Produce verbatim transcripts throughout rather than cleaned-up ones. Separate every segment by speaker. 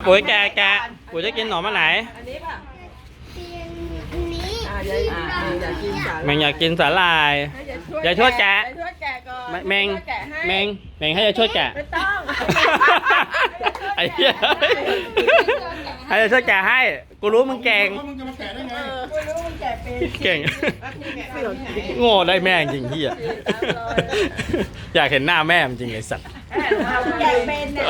Speaker 1: ปุ๋ยแกะแกะปุ๋ยจะกินขนมอันไหน
Speaker 2: อันนี้ป่ะ
Speaker 3: อันนี้
Speaker 2: อ่าอยากอยากกินสา
Speaker 1: แมงอยากกินสาหร่ายอย่าช่วยแกะ
Speaker 2: ช่วยแกะก่อน
Speaker 1: แมงแมงแมงให้จะช่วยแกะ
Speaker 2: ไม่ต้อง
Speaker 1: ไอ้เหี้ยให้จะช่วยแกะให้กูรู้มึงเก่ง
Speaker 4: มึงจะมาแกะได้ไง
Speaker 2: ไม่รู้มันแกะเป็น
Speaker 1: เก่งโง่ได้แม่จริงเหี้ยอยากเห็นหน้าแม่จริงไอ้สัตว์
Speaker 2: แกะเป็นเนี่ย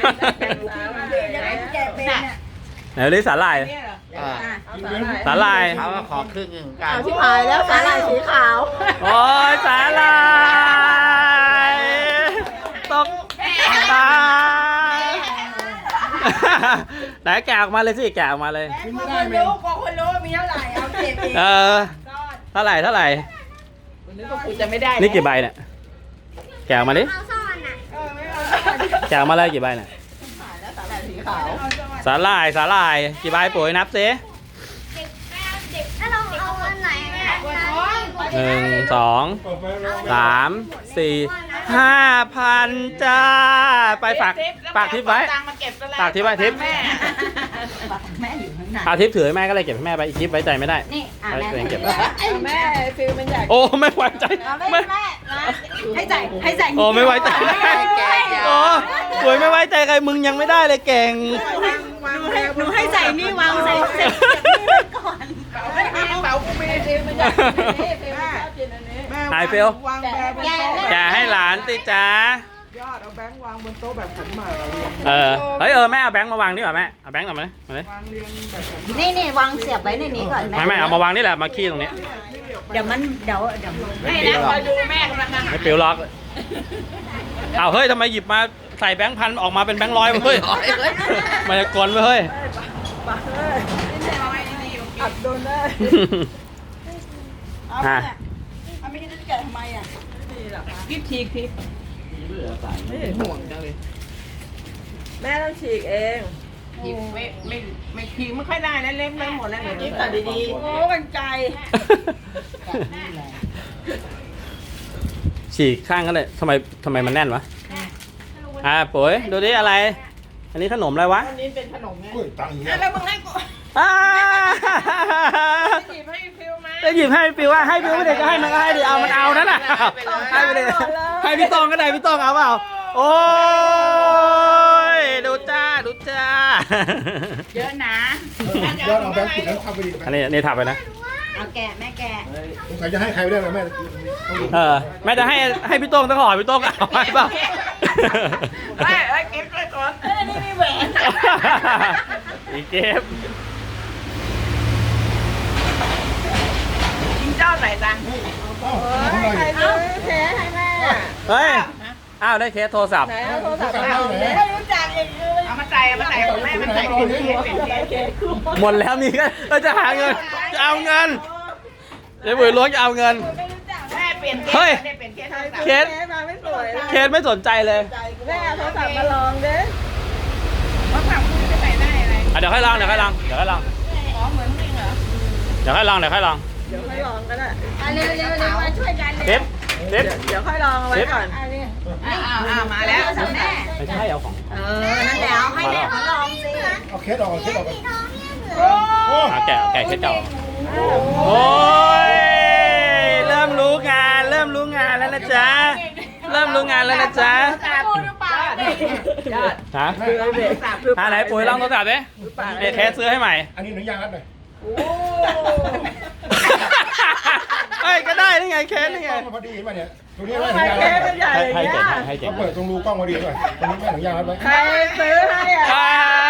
Speaker 2: แกะเป็นเนี่ย
Speaker 1: ไหนดูสาหร่าย
Speaker 5: อ่า
Speaker 1: สาหร่าย
Speaker 5: เขาก็ขอครึ่งหนึ่งกั
Speaker 2: เอา
Speaker 5: น
Speaker 2: ที่พายแล้วสาหร่ายสีขาว
Speaker 1: โอ้ยสาหร่ายตกตายไหนแกะออกมาเลยสิแกะออกมาเลย
Speaker 2: พอคนรู้พอคนรู้มีเท่าไหร่เอาเก็บเอง
Speaker 1: เออเท่าไหร่เท่าไหร่
Speaker 2: นึกว่าคุณจะไม่ได้
Speaker 1: นี่กี่ใบเนี่ยแกะออกมาดิ
Speaker 3: เอาซ่อนอ่ะ
Speaker 2: เออไม่เอา
Speaker 1: แกะออกมาเลยกี่ใบเนี่ย
Speaker 2: แล้วสาหร่ายสีขาว
Speaker 1: สาหร่ายสาหร่ายกี่ใบปุ๋ยนับสิ
Speaker 3: เด็กแก้วเด็กถ้าเราเอาอันไหนอันไหน
Speaker 1: หนึ่งสอง
Speaker 4: เปิดไปแล้ว
Speaker 1: สามสี่ห้าพันจ้าไปฝากฝากทิปไว้ฝากทิปไว้ทิป
Speaker 2: แม่แม่อยู่ข้างใน
Speaker 1: เอาทิปถือให้แม่ก็เลยเก็บให้แม่ไปทิปไว้ใจไม่ได้
Speaker 3: นี่อ่ะ
Speaker 1: ไว้
Speaker 3: แม่
Speaker 1: ตัวเองเก็บ
Speaker 2: แม่ฟิลมันอยาก
Speaker 1: โอ้ไม่ไว้ใจ
Speaker 2: ไม่
Speaker 1: ไม่
Speaker 2: แม่ให้ใส่ให้ใส่
Speaker 1: โอ้ไม่ไว้ใจโอ้ปุ๋ยไม่ไว้ใจใครมึงยังไม่ได้เลยเก่ง
Speaker 2: หนูให้ใส่นี่วางใส่ใส่ก่อนเป๋าไม่มีเป๋ากูมีฟิลมันอยากกินอันนี้ฟิลมันชอบกินอันนี้
Speaker 1: หายเฟล
Speaker 2: วางแบงค์บนโต๊ะ
Speaker 1: แกให้หลานติจ้าย
Speaker 2: อดเอาแบงค์วางบนโต๊ะแบบขันหมาก
Speaker 1: เออเฮ้ยเออแม่เอาแบงค์มาวางดีกว่าแม่เอาแบงค์กลับมาเลยมาเลย
Speaker 2: วางเรียงแบบขันหมาก
Speaker 6: นี่นี่วางเสียบไว้ในนี้ก่อนแม่
Speaker 1: ไม่ไม่เอามาวางนี่แหละมาขี้ตรงนี้
Speaker 6: เดี๋ยวมันเดี๋ยวเดี๋ยวมัน
Speaker 2: ไม่นะคอยดูแม่กำลัง
Speaker 1: ไม่ปิวล็อกเอาเฮ้ยทำไมหยิบมาใส่แบงค์พันออกมาเป็นแบงค์ร้อยเฮ้ยมันจะกลนเฮ้ย
Speaker 2: อัดโดนได้
Speaker 1: อ่ะ
Speaker 2: เอาไม่ได้จะแกะทำไมอ่ะนี่หรอคิดฉีกทีไม่ห่วงจังเลยแม่ต้องฉีกเองไม่ไม่ไม่ฉีกไม่ค่อยได้นะเล็บเล็บหมดแล้วกิ๊บตัดดีๆโอ้กันไกล
Speaker 1: ฉีกข้างก็เลยทำไมทำไมมันแน่นวะอ่าปุ๋ยดูดิอะไร อันนี้ขนมอะไรวะ
Speaker 2: อันนี้เป็นขนมไง
Speaker 4: อุ้ยตังค์เย
Speaker 2: แล้
Speaker 4: อะ
Speaker 2: วมึงให้กู
Speaker 1: อ่า
Speaker 2: หยิบให้ฟิวมา
Speaker 1: จะหยิบให้ปิวว่าให้ปิวไม่ได้ก็ให้มันก็ให้ดิเอามันเอานั่นน่ะให้ไปเลยให้พี่ตองก็ได้พี่ตองเอาเปล่าโอ้ยดูจ้าดูจ้า
Speaker 2: เยอะนะ
Speaker 4: ยอดเอาแบงค์ปิดแล้วทำไปดิ
Speaker 1: อันนี้นี่ถับไปนะ
Speaker 6: เอาแกะแม่แกะ
Speaker 4: สงสัยจะให้ใครไม่ได้ไหมแม่
Speaker 1: เออแม่จะให้ให้พี่โต้งต้องขอพี่โต้งเอาให้เปล่า
Speaker 2: ไอ้ไอ้กิ๊บด้วยก่อนเอ้ยนี่มีแหวน
Speaker 1: อีเก็บ
Speaker 2: จิงเจ้าไหนตัง
Speaker 4: เอ้าทำไม
Speaker 2: ใครซื้อแพ้ให้แม่
Speaker 1: เฮ้ยอ้าวได้เคสโทรศัพท์
Speaker 2: ไหนเอาโทรศัพท์มาเอาเลยไม่รู้จักเองเลยเอามาใส่เอามาใส่ของแม่มาใส่ของแม่เป็นเค้ก
Speaker 1: หมดแล้วมีกันเราจะหาเงินจะเอาเงินเดี๋ยวบุ๋ยล้วงจะเอาเงิน
Speaker 2: แม่เปลี่ยนเค้ก
Speaker 1: เฮ้ย
Speaker 2: เปลี่ยนเค้ก
Speaker 1: เคส
Speaker 2: มาไม่สวย
Speaker 1: เคสไม่สนใจเลย
Speaker 2: แม่เอาโทรศัพท์มาลองเด้โทรศัพท์คุณจะใส่ได้อะไร
Speaker 1: อ่ะเดี๋ยวค่อยลองเดี๋ยวค่อยลองเดี๋ยวค่อยลอง
Speaker 2: อ๋อเหมือนจริงเหรอ
Speaker 1: เดี๋ยวค่อยลองเดี๋ยวค่อยลอง
Speaker 2: เดี๋ยวค่อยลองก็ได้
Speaker 6: เร็วเร็วเร็วมาช่วยกัน
Speaker 1: เทปเทป
Speaker 2: เดี๋ยวค่อยลองเอาไว้ก่อน
Speaker 6: อ้าวอ้าวมาแล้วแม่
Speaker 1: ไม่ใช่เอาของ
Speaker 6: เออนั่นแหละเอาให้แม่เขาลองสิ
Speaker 4: เอาเคสออกเคสออก
Speaker 3: สีทองเนี่ยเหมือน
Speaker 4: โอ้
Speaker 1: อ่ะแกะแกะเคสเก่าโอ้ยเริ่มรู้งานเริ่มรู้งานแล้วนะจ๊ะเริ่มรู้งานแล้วนะจ๊ะ
Speaker 2: พูดหรือเปล่ายอด
Speaker 1: ฮะ
Speaker 2: คือเด็กสามคือ
Speaker 1: อ่าไหนปุ๋ยลองโทรศัพท์ดิเดี๋ยวเคสซื้อให้ใหม่
Speaker 4: อันนี้หนังยางรัดหน่อย
Speaker 2: โอ้
Speaker 1: เฮ้ยก็ได้นี่ไงเคสนี่ไง
Speaker 4: กล้องมันพอดีเห็นป่ะเนี่ยตรงนี้ไม่
Speaker 2: ทำ
Speaker 4: ห
Speaker 2: ไม
Speaker 4: นังยาง
Speaker 2: เค้
Speaker 4: รั
Speaker 2: ก
Speaker 4: ด
Speaker 2: มันใหญ่
Speaker 1: ให้
Speaker 2: อย่าง
Speaker 1: ให้
Speaker 2: เงี้
Speaker 1: เจ๋ง
Speaker 2: ย
Speaker 1: ให้เจ๋ง
Speaker 4: เขาเปิดตรงรูกล้องพอดีด้วยตรงนี้ไม่หนังยางรัดไว้
Speaker 2: ใครซื้อให้อ่ะ
Speaker 1: อ่า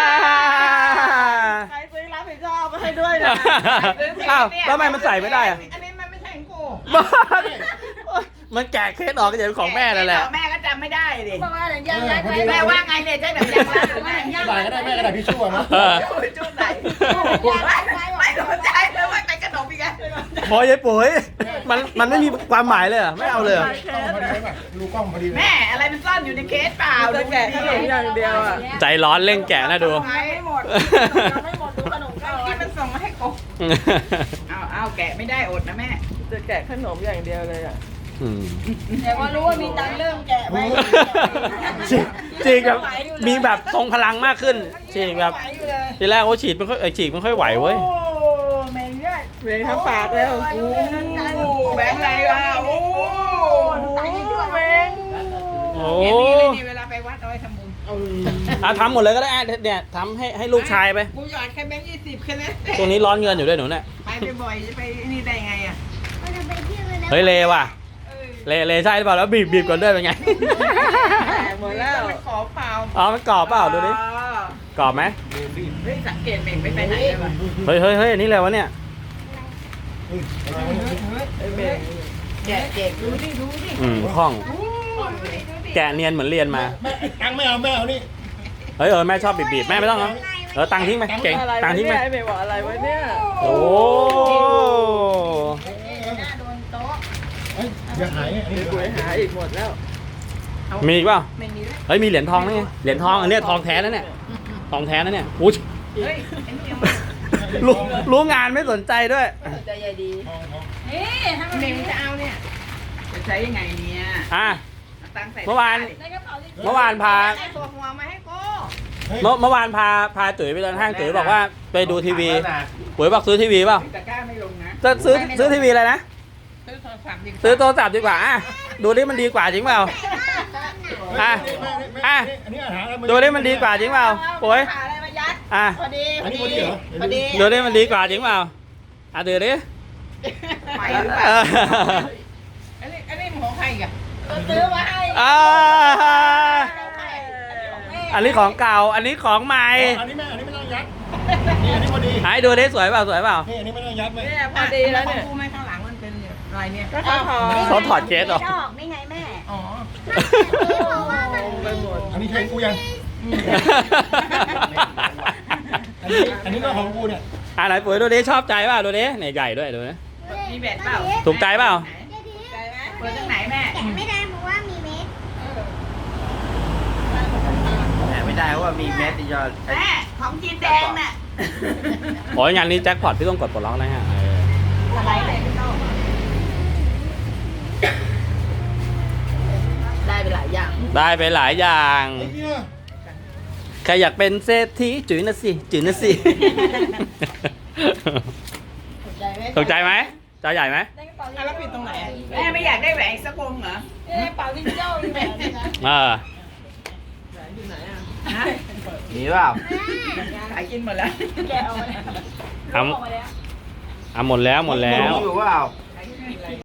Speaker 2: ใครซื้อรับผิดชอบมาให้ด้วยนะ
Speaker 1: อ้าวแล้วทำไมมันใส่ไม่ได้อะ
Speaker 2: อันนี้มันไม่ใช่ของกู
Speaker 1: บ้ามันแกะเคสออกก็จะเป็นของแม่นั่นแหละ
Speaker 2: แม่ก็จำไม่ได้ดิ
Speaker 6: บอกว่ายังยัด
Speaker 4: พอ
Speaker 6: ไว้
Speaker 4: ดี
Speaker 2: แม่ว่าไงเนี่ยใช่แบบยังรักหรือไม่
Speaker 4: ได้ก็ได้แม่ก็ได้พี่ชั่วนะ
Speaker 1: เออ
Speaker 2: จุดไหนไม่สนใจเลยว่าเป็นขนมอีกแล้ว
Speaker 1: พอยายปุ๋ยมันมันไม่มีความหมายเลยเหรอไม่เอาเลยเหรอก
Speaker 4: ล้องพอดีไหมรูกล้องพอดี
Speaker 2: แม่อะไรมันซ่อนอยู่ในเคสเปล่าจะแกะขนมอย่างเดียวอ่ะ
Speaker 1: ใจร้อนเร่งแกะนะดู
Speaker 2: ไม่หมดไม่หมดดูขนมก่อนที่มันส่งมาให้กบเอาเอาแกะไม่ได้อดนะแม่จะแกะขนมอย่างเดียวเลยอ่ะ
Speaker 1: อืม
Speaker 6: แต่ว่ารู้ว่ามีตังค์เริ่มแกะไป
Speaker 1: ฉีดฉีดแบบมีแบบทรงพลังมากขึ้นฉีดแบบ
Speaker 6: ไหวอยู่เลย
Speaker 1: ทีแรกโอ้ฉีดไม่ค่อยเอ้ยฉีดไม่ค่อยไหวเว้ย
Speaker 6: โอ้แม่งเนี่ย
Speaker 2: เวงทั้งปากแล้วโอ้แบงค์อะไรวะโอ้แบงค์
Speaker 1: โอ้
Speaker 2: เห็นนี่เลยนี่เวลาไปวัดเอาไว้ทำบุญ
Speaker 1: อ่ะทำหมดเลยก็ได้อ่ะเนี่ยทำให้ให้ลูกชายไป
Speaker 2: กูหยอดแค่แบงค์ยี่สิบแค่นั้น
Speaker 1: ตรงนี้ร้อนเงินอยู่ด้วยหนูเนี่ย
Speaker 2: ไปบ่อยๆจะไปนี่ได้ไงอ่ะ
Speaker 3: มันจะไปเที่ยวเลยนะ
Speaker 1: เฮ้ยเลว่ะเลเลใช่หรือเปล่าแล้วบีบบีบก่อนด้วยเป็นไง
Speaker 2: หมดแล้วมันขอเปล่า
Speaker 1: อ๋อมันกรอบเปล่าดูดิกรอบไหม
Speaker 2: เฮ้ยสังเกตเบ่งไม่ไปไหนเลยว่ะ
Speaker 1: เฮ้ยเฮ้ยเฮ้ยอันนี่เลยวะเนี่ย
Speaker 4: เฮ้ยอะไรวะเนี่ย
Speaker 2: เบ่งแกะเด็กดูดิดูดิ
Speaker 1: อืมคล่อง
Speaker 2: ดูดิดูดิ
Speaker 1: แกะเนียนเหมือนเรียนมา
Speaker 4: แม่ตังค์ไม่เอาแม่เอานี่
Speaker 1: เฮ้ยเออแม่ชอบบีบบีบแม่ไม่ต้องเหรอเออตังค์ทิ้งไปเก่ง
Speaker 2: อะไร
Speaker 1: ตัง
Speaker 2: วะ
Speaker 1: ค์ทิ้ง
Speaker 2: เนี่
Speaker 1: ไป
Speaker 2: ยไม่บอกอะไรวะเนี่ย
Speaker 1: โอ้
Speaker 4: เฮ้ยอย่าหายเนี่ยอันนี้
Speaker 2: กูหาอีกหมดแล้ว
Speaker 1: มีอีกเปล่า
Speaker 2: ไม่มีแล้ว
Speaker 1: เฮ้ยมีเหรียญทองนี่ไงเหรียญทองอันเนี้ยทองแท้นะเนี่ยทองแท้นะเนี่ยอุ้ย
Speaker 2: เฮ้ยไอ้นี่ยัง
Speaker 1: รู้รู้งานไม่สนใจด้วย
Speaker 2: ใจใหญ่ดี
Speaker 4: ทองทอง
Speaker 6: นี่ทำไม
Speaker 2: เมงจะเอาเนี่ยจะใช้ยังไงเนี่ย
Speaker 1: อ่ะ
Speaker 2: ตังใส่
Speaker 1: เมื่อวาน
Speaker 6: ในกระเป๋าที่
Speaker 1: เมื่อวานพา
Speaker 2: ไอ้ตัวหัวมาให้กู
Speaker 4: เฮ้ย
Speaker 1: เมื่อเมื่อวานพาพาตุ๋ยไปเดินห้างตุ๋ยบอกว่าไปดูทีวีปุ๋ยบอกซื้อทีวีเปล่า
Speaker 2: ตะกร้าไม่ลงนะ
Speaker 1: จะซื้อซื้อทีวีอะไรนะ
Speaker 2: ซื้อโทรศัพท์ดีกว่า
Speaker 1: ซื้อโทรศัพท์ดีกว่าอ่ะดูดิมันดีกว่าจริงเปล่าอ่ะ
Speaker 4: แม่
Speaker 1: อ่ะ
Speaker 4: อันนี้อาหารอะไร
Speaker 1: ดูดิมันดีกว่าจริงเปล่าปุ๋ย
Speaker 6: หาอะไรมายัด
Speaker 1: อ่ะ
Speaker 6: พอดี
Speaker 4: อันนี้พอดีเหรอ
Speaker 6: พอดี
Speaker 1: ดูดิมันดีกว่าจริงเปล่าอ่ะดูดิ
Speaker 2: ใหม่หรือเปล่าอันนี้อันนี้มันของใครอีกอ่ะ
Speaker 6: ซื้อมาให้
Speaker 1: อ่าอันนี้ของเก่าอันนี้ของใหม่
Speaker 4: อันนี้แม่อันนี้ไม่ต้องยัดนี่อันนี้พอดี
Speaker 1: ให้ดูดิสวยเปล่าสวยเปล่า
Speaker 4: นี่อันนี้ไม่ต้องยัดไหม
Speaker 2: เนี่ยพอดีแล้วเนี่ยของกูไม่ข้างหลังมันเป็นอะไรเนี่ย
Speaker 6: ก็เขาถอด
Speaker 1: เขาถอดเคสเหรอ
Speaker 6: ดอกนี่ไงแม่
Speaker 2: อ๋อ
Speaker 6: เพราะว่ามัน
Speaker 2: ไปหมด
Speaker 4: อันนี้เพลงกูยัง อันนี้อันนี้ก็ของกูเนี่ย
Speaker 1: อ่ะไหนปุ๋ยดูดิชอบใจเปล่าดูดิเนี่ยใหญ่ด้วยดูนะ
Speaker 2: มีแบตเปล่า
Speaker 1: ถูกใจเปล่า
Speaker 2: ใจไหมเปิดตรงไหนแม่
Speaker 3: แกะไม่ได้เพราะว่ามีเม็ด
Speaker 5: แหมไม่ได้เพราะว่ามีเม็ดที่ยอด
Speaker 2: แม่ของจีนแดงน่ะ
Speaker 1: โอ้ยงานนี้แจ็คพอตพี่ต้องกดปลดล็อกนะฮะเออ
Speaker 6: อะไรเลยพี่โต้ได้ไปหลายอย่าง
Speaker 1: ได้ไปหลายอย่าง
Speaker 4: ไอ้เนี่ย
Speaker 1: ใครอยากเป็นเศรษฐีจุ๋ยนะสิจุ๋ยนะสิ
Speaker 6: ถูกใจไหม
Speaker 1: ถูกใจไหมจอใหญ่ไหม
Speaker 6: ได้กระเป๋า
Speaker 2: อ่ะแล้วปิดตรงไหนอ่ะแม่ไม่อยากได้แหวนอีกสักวงเหรอ
Speaker 6: ได้กระเป๋าที่เจ้ามีแบบนี้นะ
Speaker 1: เออ
Speaker 2: ฮะ
Speaker 5: มีเปล่า
Speaker 2: ขายกินหมดแล้ว
Speaker 6: แกะออกมาแล้ว
Speaker 1: เอา
Speaker 6: ออกมาแล้ว
Speaker 1: เอาหมดแล้วหมดแล้ว
Speaker 5: มีอยู่เปล่า